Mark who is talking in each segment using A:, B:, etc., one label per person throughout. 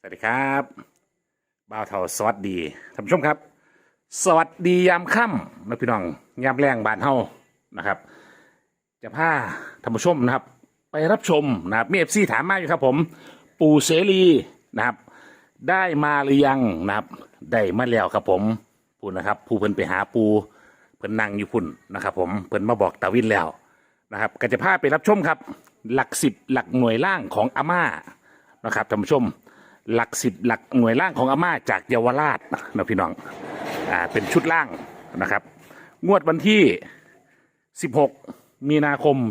A: วัสดีครับบ่าวเฒ่าสวัสดีท่านผู้ชมครับสวัสดียามค่ำนะพี่น้องยามแรงบ้านเฮานะครับจะพาท่านผู้ชมนะครับไปรับชมนะครับมีFCถามมาอยู่ครับผมปู่เสรีนะครับได้มาหรือยังนะครับได้มาแล้วครับผมพูดนะครับผู้เพิ่นไปหาปูเพิ่นนั่งอยู่พุ่นนะครับผมเพิ่นมาบอกตาวินแล้วนะครับก็จะพาไปรับชมครับหลักสิบหลักหน่วยล่างของอาม่านะครับท่านผู้ชมหลักสิบหลักหน่วยล่างของอาม่าจากเยาวราชนะพี่น้องเป็นชุดล่างนะครับงวดวันที่16มีนาคม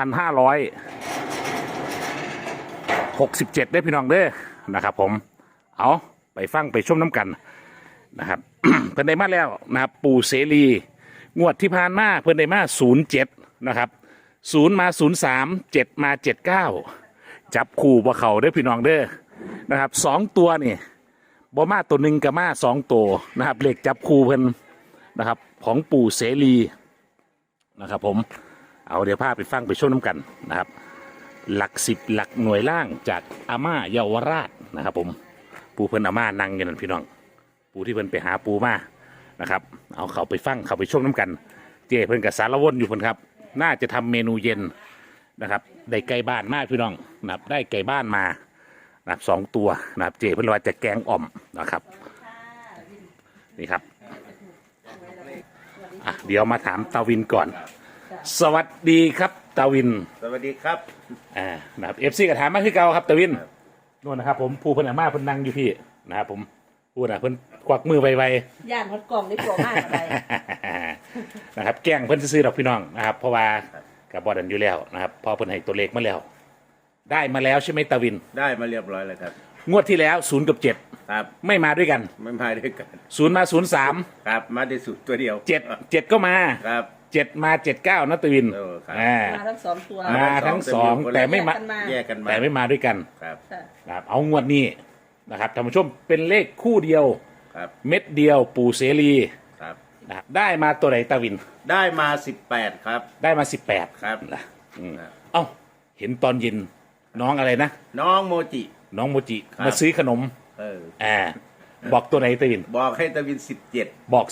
A: 2567ได้พี่น้องเด้อนะครับผมเอาไปฟังไปชมน้ำกันนะครับ เพิ่นได้มาแล้วนะครับปู่เสรีงวดที่ผ่านมาเพิ่นได้มา07นะครับ0มา03 7มา79จับคู่บ่เข้าเด้อพี่น้องเด้อนะครับ2ตัวนี่บ่มาตัวหนึ่งกับมา2ตัวนะครับเลขจับคู่เพิ่นนะครับของปู่เสรีนะครับผมเอาเดี๋ยวพาไปฟังไปชมน้ำกันนะครับหลักสิบหลักหน่วยล่างจากอาม่าเยาวราชนะครับผมปู่เพิ่นอาม่านั่งอยู่นั่นพี่น้องปู่ที่เพิ่นไปหาปู่มานะครับเอาเขาไปฟังเขาไปชมน้ำกันเจ้เพิ่นกับสารวนอยู่เพิ่นครับน่าจะทำเมนูเย็นนะครับได้ไก่บ้านมากพี่น้องนะครับได้ไก่บ้านมานะครับ2ตัวนะครับเจ้เพิ่นว่าจะแกงอ่อมนะครับนี่ครับเดี๋ยวมาถามตาวินก่อนสวัสดีครับตาวิน
B: สวัสดีครับ
A: นะครับFCก็ถามมาคือเก่าครับตาวินนู่นนะครับผมผู้เพิ่นอาม่าเพิ่นนั่งอยู่พี่นะครับผมพูดเพิ่นควักมือไว
C: ๆย่านฮอดกล่องได้ตัวมากอะไร
A: นะครับแกล้งเพิ่นซื้อดอกพี่น้องนะครับเพราะว่ากับบอดันอยู่แล้วนะครับพอเพิ่นให้ตัวเลขมาแล้วได้มาแล้วใช่ไหมตาวิน
B: ได้มาเรียบร้อยแล้วครับ
A: งวดที่แล้ว0 กับ 7
B: ครับ
A: ไม่มาด้วยกัน
B: ไม่มาด้วยกัน
A: 0มา03
B: ครับมาได้สุดตัวเดียว
A: 7ก็มา
B: ครับ
A: 7มา79นะตาวิน
C: มาทั้ง2ตัว
A: มาทั้ง2แต่ไม่มา
B: แยกกันมา
A: แต่ไม่มาด้วยกัน
B: ครับ
A: ครับเอางวดนี้นะครับท่านผู้ชมเป็นเลขคู่เดียว
B: ครับ
A: เม็ดเดียวปู่เสรี
B: ครับ
A: นะครับได้มาตัวไหนตาวิน
B: ได้มา18ครับ
A: ได้มา18
B: ครับ
A: เอ้าเห็นตอนเย็นน้องอะไรนะ
B: น้องโมจิ
A: น้องโมจิมาซื้อขนมบอกตัวไหนตาวิน
B: บอกให้ตาวิน17
A: บอก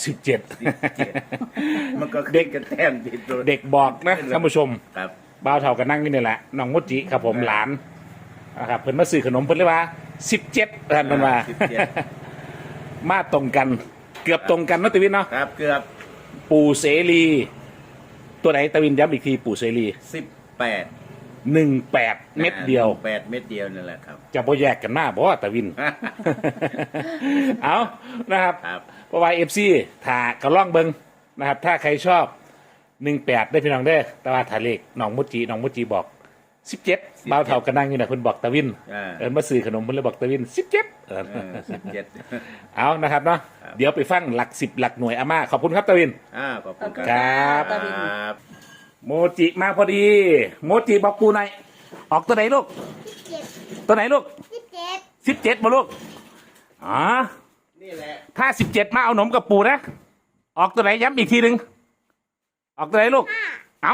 B: 17มันก็เด็กกันแต้ม
A: เด็กบอกนะท่านผู้ชม
B: ครับ
A: บ่าวเฒ่ากันนั่งนี่แหละน้องโมจิครับผมหลานนะครับเพิ่นมาซื้อขนมเพิ่นเลยว่า17ท่านมันว่ามาตรงกันเกือบตรงกันนะตาวินเนาะ
B: ครับเกือบ
A: ปู่เสรีตัวไหนตาวินย้ำอีกทีปู่เสรี18เม็ดเดียว
B: 8เม็ดเดียวนั่นแหละครับ
A: จะบ่แยกกันมาบ่ตาวิน เอานะครับเพราะว่า FC ถ้าก็ล่องเบิ่งนะครับถ้าใครชอบ18ได้พี่น้องเด้อแต่ว่าถ้าเลขน้องมุจิบอก17บ่าวเฒ่าก็นั่งอยู่น่ะเพิ่นบอกตาวินมาซื้อขนมเพิ่นเลยบอกตาวิน17เอานะครับเนาะเดี๋ยวไปฟังหลัก10หลักหน่วยอาม่าขอบคุณครับตาวิน
B: ขอบคุณ
A: ครับโมจิมาพอดีโมจิบอกปูหน่อยออกตัวไหนลูกตัวไหนลูก17มาลูก
B: นี่แหละ
A: ถ้า17มาเอาหนมกับปูนะออกตัวไหนย้ำอีกทีหนึ่งออกตัวไหนลูกเอา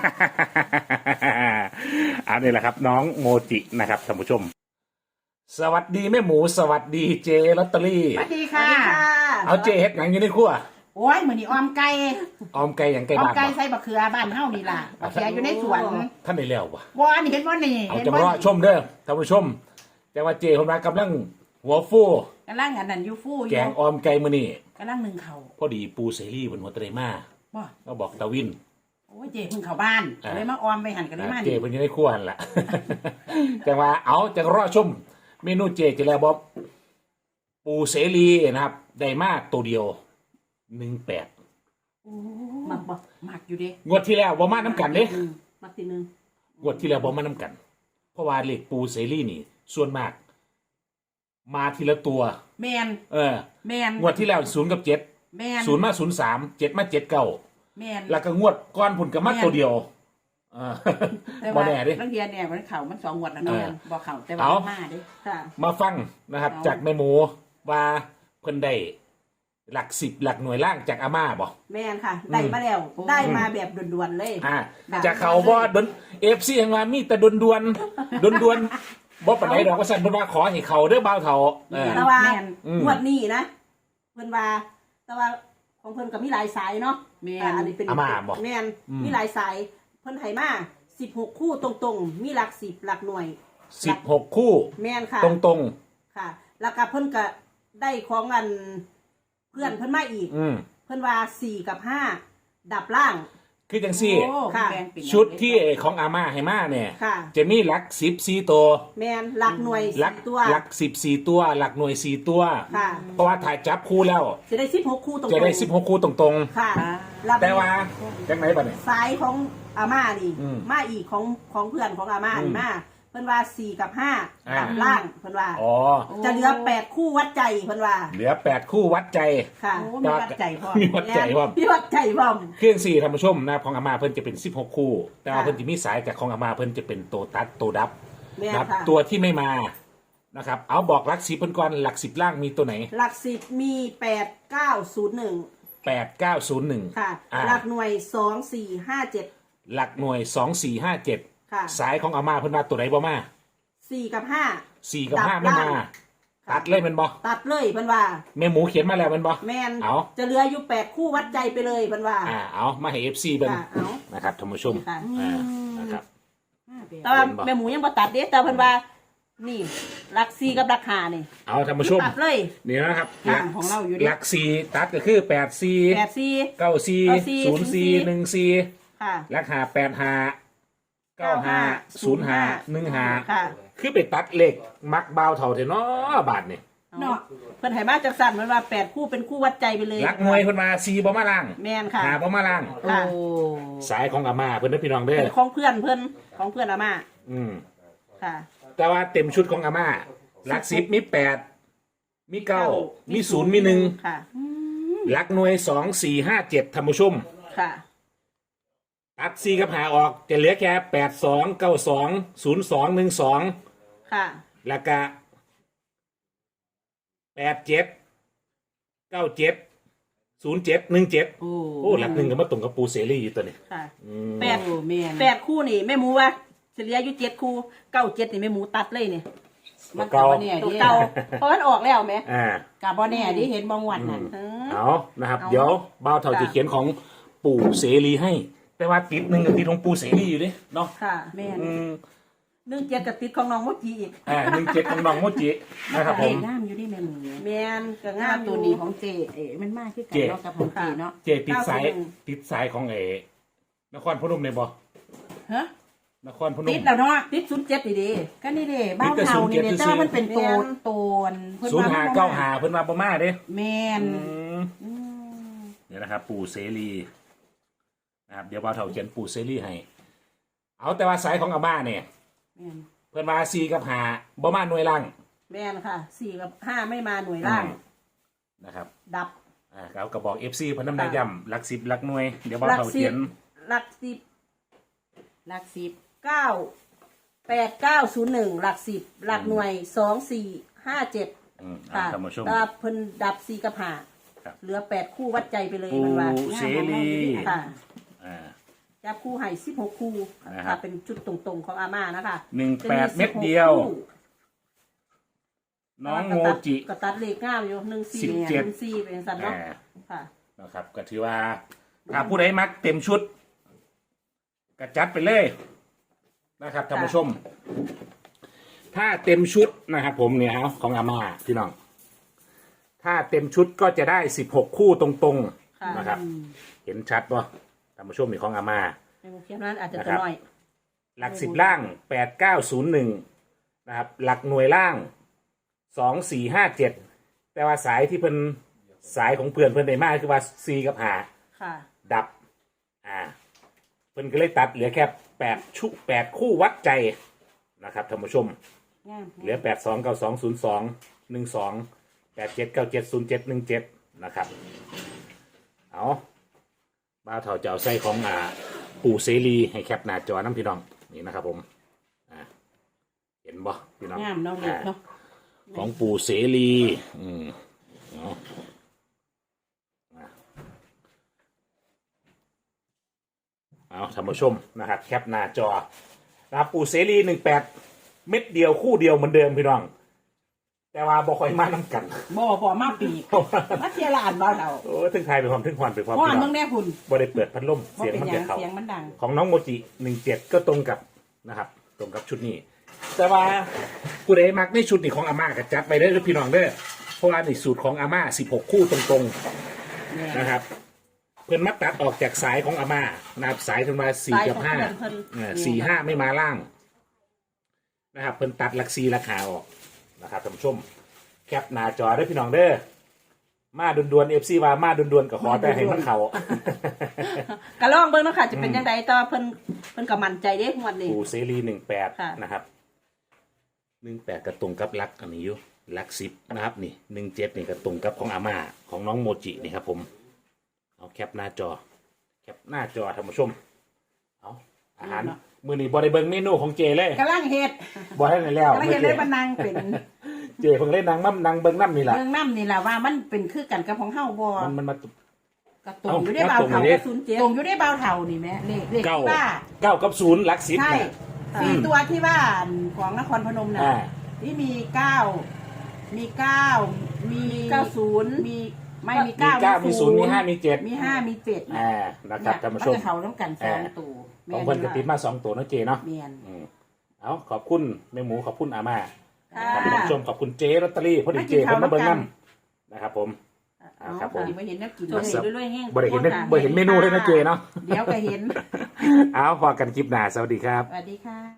A: อันนี้แหละครับน้องโมจินะครับท่านผู้ชมสวัสดีแม่หมูสวัสดีเจลอตเตอรี่
C: สวัสดีค่ะ
A: เอาเจเฮ็ดหยังอยู่ในครัว
C: โอ้ยเหมือนนี่ออมไก่
A: อย่างไก่
C: บ้าน
A: ออมไก่
C: ใส่บะเขือบ้านเฮานี่ล่ะบะเขืออยู่ในสวน
A: ท่านได้แล้ววะ
C: ว่านี่เห็นว่านี่
A: เอาจังว่าชมเด้อท่านผู้ชมแต่ว่าเจผมกำลังหัวฟู
C: กำลังอันนั้นอยู่ฟู
A: แกงออมไก่มื้อนี้
C: กำลังนึ่งข้าว
A: พอดีปูเสรีบนหัวตะไลมาก็บอกตาวิน
C: โอ้ยเจเพิ่งเข้าบ้านเลยมาออมไปหันกันได้มา
A: เจเพิ่งอยู่ในครัวหั่นล่ะจังว่าเอาจังรอชมเมนูเจจะแล้วบอกปูเสรีนะครับได้มาตัวเดียว18
C: มักอยู่ดิ
A: งวดที่แล้วบ่มาน้ำกันเด้
C: มักทีนึง
A: งวดที่แล้วบ่มาน้ำกันเพราะว่าเลขปูเสรีนี่ส่วนมากมาทีละตัว
C: แมนแมน
A: งวดที่แล้ว0 กับ 7แมน0มา03 7มา79
C: แมน
A: แล้วก็งวดก้อนผุนกับมาตัวเดียว
C: บ่แน่ดิลังเทียเนี่ยมันเข่ามัน2งวดแล้วเนาะบ่เข่าแต่ว่ามาดิ
A: มาฟังนะครับจากแม่หมูว่าเพิ่นได้หลัก10หลักหน่วยล่างจากอาม่าบ่
C: แม่นค่ะได้มาแล้วได้มาแบบด่วนๆเลย
A: จากเขาบ่ดน FC ยังว่ามีแต่ด่วนบ่ปานใดดอกว่าสั่นเพิ่นว่าขอให้เขาเด้อบ่าวเฒ่าเออ
D: แต่ว่า
C: แม่น
D: งวดนี้นะเพิ่นว่าแต่ว่าของเพิ่นก็มีหลายสายเนาะ
C: แม่น
D: อันนี้เป็น
A: อาม่าบอก
D: แม่น
A: อืม
D: มีหลายสายเพิ่นให้มา16 คู่ตรงๆ มีหลัก10หลักหน่วย
A: 16 คู่
D: แม่นค่ะ
A: ตรง
D: ค่ะ แล้วก็เพิ่นก็ได้ของอันเพื่อนเพิ่นมาอีก
A: ๆอืม
D: เพิ่นว่า4กับ5ดับล่าง
A: คือจังซี่
C: โอ้
D: ค่ะ
C: แบ่งเป็น
A: ชุดที่ของอาม่าให้มาเนี่ย
D: ค่ะ
A: จะมีหลัก14ตัว
D: แม่นหลักหน่วย
A: หลัก
D: 4ตัว
A: หลัก14ตัว หลักหน่วย4ตัว
D: ค่ะ
A: เพราะว่าถ่ายจับคู่แล้ว
D: จะได้16คู่ตรงๆ
A: จะได้16คู่ตรง
D: ค่ะ
C: อ่า
D: ล้ว
A: ๆ แต่ว่าจังไหนบัดเนี่ย
D: สายของอาม่านี่
A: อืม
D: มาอีกของเพื่อนของอาม่า
A: อื
D: นี่
A: ม
D: มาเพิ่นว่า4กับ5
A: อ่า
D: ดับล่างเพิ่นว่า
A: อ๋อ
D: จะเหลือ8คู่วัดใจเพิ่นว่า
A: เหลือ8คู่วัดใจ
D: ค่ะ
C: โอ้มีวัดใจพ่อ
A: มีวัดใจว่า
D: พี่วัดใจพร้อม
A: เครื่อง4ท่านผู้ชมนะของอาม่าเพิ่นจะเป็น16คู่ แต่ว่า
D: ค่ะ
A: เพิ่นจะมีสายจากของอาม่าเพิ่นจะเป็นตัวตัดตัวดับ
D: แม่น
A: นะครับ
D: ค่ะ
A: ตัวที่ไม่มานะครับ เอาบอกหลัก10เพิ่นก่อนหลัก10ล่างมีตัวไหน
D: หลัก10มี8901
A: 8901
D: ค่ะ
A: อ่า
D: หลักหน่วย2457
A: หลักหน่วย2457
D: ค่ะ
A: สายของอาม่าเพิ่นว่าตัวไหนบ่มา
D: 4กับ5
A: 4กับ
D: ดับ
A: 5ไม่มา
D: ล่าง
A: ตัดเลยแมันบ่
D: ตัดเลยเพิ่นว่า
A: แม่หมูเขียนมาแล้วแมันบ่
D: แม่น
A: เอา
D: จะเหลืออยู่8คู่วัดใจไปเลยเพิ่นว่า
A: เอามาให้ FC เบิ่ง
D: ค่ะเอา
A: นะครับท่านผู้ชม
D: ค่ะ
A: นะครับ
D: แต่ว่า
A: เห็นบ่
D: แม่หมูยังบ่ตัดเด้แต่เพิ่นว่า นี่หลัก4กับหลัก5นี่
A: เอาท่านผู้ชม
D: ตัดเลย
A: นี่นะครับ
C: ค่ะของเราอยู่ดิ
A: หลัก4ตัดก็คือ84
D: 84
A: 94 04 14
D: ค่ะ
A: หลัก5 85 95 05 15
D: ค่ะ
A: คือไปตัดเลขมักเบาเท่าเถอะเนาะบาทนี่
D: เนาะเพิ่นให้มาจักสั่นเพิ่นว่า8คู่เป็นคู่วัดใจไปเลย
A: หลักหน่วยเพิ่นมา4บ่มาล่าง
D: แม่นค่ะ
A: 5บ่มาล่าง
C: โอ้
D: ค่ะ
A: สายของอาม่าเพิ่นเด้อพี่น้องเด้อ
D: เป็นของเพื่อนเพิ่นของเพื่อนอาม่า
A: อืม
D: ค่ะ
A: แต่ว่าเต็มชุดของอาม่าหลัก10มี8มี9มี0มี1
D: ค่ะ
A: หลักหน่วย2 4 5 7ท่านผู้ชม
D: ค่ะ
A: ตัด4กับ5ออกจะเหลือแค่82 92 02 12
D: ค่ะ
A: แล้วก็87 97 07 17
C: โอ้
A: โอ้หลักหนึ่งก็มาตรงกับปูเสรีอยู่ตัวนี้
D: ค่ะ
A: อืม
D: แปด
C: โอ้แม่น
D: 8คู่นี่แม่หมูว่าเฉลี่ยอยู่7คู่97นี่แม่หมูตัดเลยนี่
C: มัน
A: เก่า
C: ก็บ่แน่
D: ตัว
C: ดิ
D: เก่าเพราะมันออกแล้วแหม
A: อ่า
C: ก็บ่แน่ดิเห็นบ่งวดนั่น
A: เอานะครับ
D: เอา
A: เดี๋ยวบ่าวเท่า
D: ค่ะ
A: จะเขียนของปู่เสรีให้ แต่ว่าติดหนึ่งกับติดของปู่เสรีอยู่เด้เนาะ
D: ค่ะ
C: แม่น
A: อืม
D: 17กับติดของน้องโมจิอีก
A: 17ของน้องโมจินะครับผ
C: เด็
A: ม
C: งามอยู่ดิแม่หมู
D: แม่นก็งาง
C: าม
D: ม
C: ตัวนี้ของเจเอ๋มันมากคือกัน
A: เจ
C: เนาะกับของเจเนาะ
A: เจติดสายติดสายของนครพนมในบ่
C: ฮะ
A: นครพน
C: ติ
A: ม
C: ดแล้วเนาะ
D: ติด07นี่เดิ
C: ก็นี่เด้บ้านเฮานี่เด้แต่ว่ามันเป็นโตนโตนเพิ่น
A: ศูนย์
C: ว่
A: หา
C: มันบ่
A: เก้า
C: มา
A: หาเพิ่นมาบ่มาเด้
C: แม่น
A: อืมเนี่ยนะครับ ปู่เสรีนะครับเดี๋ยวบ่าวเท่าเขียนปู่เสรีให้ เอาแต่ว่าสายของอาม่าเนี่ย
C: แม่น
A: เพิ่นมา4กับ5บ่มาหน่วยล่าง
D: แม่นค่ะ4กับ5ไม่มาหน่วยล่าง
A: นะครับ
D: ดับ
A: เขาก็บอก FC เพิ่นนำได้ย่ำหลัก10หลักหน่วยเดี๋ยวบ่าว
D: หลัก
A: เท่า
D: สิ
A: เขีย
D: บ
A: น
D: หลักสิบ
C: หลักสิบ
D: 8901หลักสิบหลักหน่วย2457
A: อืม
D: ค่ะ
A: ท่านผู้ชม
D: แต่เพิ่นดับ4กับ
A: ครับ
D: 5เหลือ8คู่วัดใจไปเลย
A: ปู่
D: มันว่า
A: เสรี
D: ค่ะ
A: อ่า
D: จับคู่ให้16คู่
A: นะครับ
D: ค่ะเป็นจุดตรงๆของอาม่านะคะ
A: 18เม็ดเดียว น้องโมจิ
D: ก็ตัดเลขง่ามอยู่14
A: 17
D: 14เป็นสันเนาะ
A: อ่า
D: ค่ะ
A: นะครับก็ถือว่าถ้าผู้ใดมักเต็มชุดก็จัดไปเลยนะครับท่านผู้ชม ถ้าเต็มชุดนะครับผมเนี่ยเอาของอาม่าพี่น้อง ถ้าเต็มชุดก็จะได้16คู่ตรง
D: ค่ะ
A: ๆนะครับ เห็นชัดป่ะท่านผู้ชมมีของอาม่า
D: ในโมเขียนนั้นอาจจะ
A: นะค
D: ตั
A: รั
D: ว
A: บ
D: น้อย
A: หลัก10ล่าง8901นะครับหลักหน่วยล่าง2457แต่ว่าสายที่เพิ่นสายของเพื่อนเพิ่นได้มากคือว่า4กับ5
D: ค่ะ
A: ดับเพิ่นก็เลยตัดเหลือแค่8คู่วัดใจนะครับท่านผู้ชม
D: งาม
A: เหลือ829202 12 87970717นะครับเอาบ้าวเถาเจ้าไส้ของปู่เสรีให้แคปหน้าจอน้ำพี่น้องนี่นะครับผมเห็นบ่พี่น้อง
C: งามเนาะเด็กเนาะ
A: ของปู่เสรีเอาเอาท่านผู้ชมนะครับแคปหน้าจอนะครับปู่เสรี18 เม็ดเดียวคู่เดียวเหมือนเดิมพี่น้อง แต่ว่าบ่ค่อยมาน้ำกัน
C: บ่มาปีกมาเทียลานเบาเดา
A: โอ้ถึงไทยไปความถึงควันไปความ
C: เพราะ
A: พี่
C: ว่า
A: น้
C: มึ
A: อง
C: งแน่คุณ
A: บ่ได้เปิดพัดลม
C: บ่
A: เสียง
C: เป็น
A: มัน
C: หยั
A: จะ
C: ง
A: เข้า
C: เสียงมันดัง
A: ของน้องโมจิ17ก็ตรงกับนะครับ ตรงกับชุดนี้ แต่ว่าผู้ใดมักในชุดนี้ของอาม่าก็จัดไปได้อพี่น้องเด้อเพราะว่าในสูตรของอาม่า16 คู่ตรงๆนะครับ เพื่อนมัดตัดออกจากสายของอาม่านะครับสายขึ้นมา4กับ
D: สายของเพิ่น
A: 5 4 5ไม่มาล่างนะครับเพิ่นตัดหลัก4ราคาออกนะครับท่านผู้ชมแคปหน้าจอได้อพี่น้องเด้อมาด่วนๆ FC ว่ามาด่วนๆก็ขอแต่ให้มันเข้า
D: ก็ลองเบิ่งเนาะค่ะจะเป็นจังไดต่อเพิ่นก็มั่นใจเด้งวดนี้
A: ปูเซรี
D: ค่ะ
A: 18นะครับ18ก็ตรงกับลักอันนี้อยู่ลัก10นะครับนี่17นี่ก็ตรงกับของอาม่าของน้องโมจินี่ครับผมเอาแคปหน้าจอแคปหน้าจอท่านผู้ชมเอาอาหารมื้อนี้บ่ได้เบิ่งเมนูของเจเลย
C: กำลังเฮ็ด
A: บ่ให้ได้แล้ว
C: กำลังเฮ็ดได้บันนังเป็น
A: เจเพิ่งเล่นนางมั่มนางเบิ่งน้ำนี่ล่ะ
C: เมืองน้ำนี่ล่ะว่ามันเป็นคือกันกับของเฮาบ่
A: มันมา
C: กระตุงอยู่ได้เบา
A: เอ้า
C: เท่า
A: ตรงนี้
C: กระสุนเจ็ดตรงอยู่ได้เบาเท่านี่แม่เลข
A: เก้า
C: ที่ว่า
A: 9กับ0หลัก10
C: ใช่
A: น่ะ
C: สี่ตัวที่ว่าของนครพนมน่ะ
A: อ่า
C: ที่มีเก้ามีเก้ามี
D: 90
C: มีไม่
A: มี
C: มีเก้า
A: 9มี0มี5มี7
C: มีห้ามีเจ็ด
A: อ่านะครับท่านผู้ชม
C: นจะเขาต้องกันสองตัว
A: ของเพิ่นก็ติดมา2ตัวเนาะเจเนาะ
C: เมียน
A: เอาขอบคุณแม่หมูขอบคุณอาม่า
D: ค่ะ
A: ขอบคุณท่านผู้ชมขอบคุณเจลอตเตอรี่พอดีเจเพิ่นมาเบิ่งน้ำนะครับผมครับผม
C: ไม่เห็นนักกิน
D: ตัว
C: เลย
D: นี้ด้วยๆแห้ง
A: บ่ได้เห็นบ่เห็นเมนูเลยนะเจเนาะ
C: เดี๋ยวก็เห็น
A: เอาพอกันคลิปหน้าสวัสดีครับ
C: สวัสดีค่ะ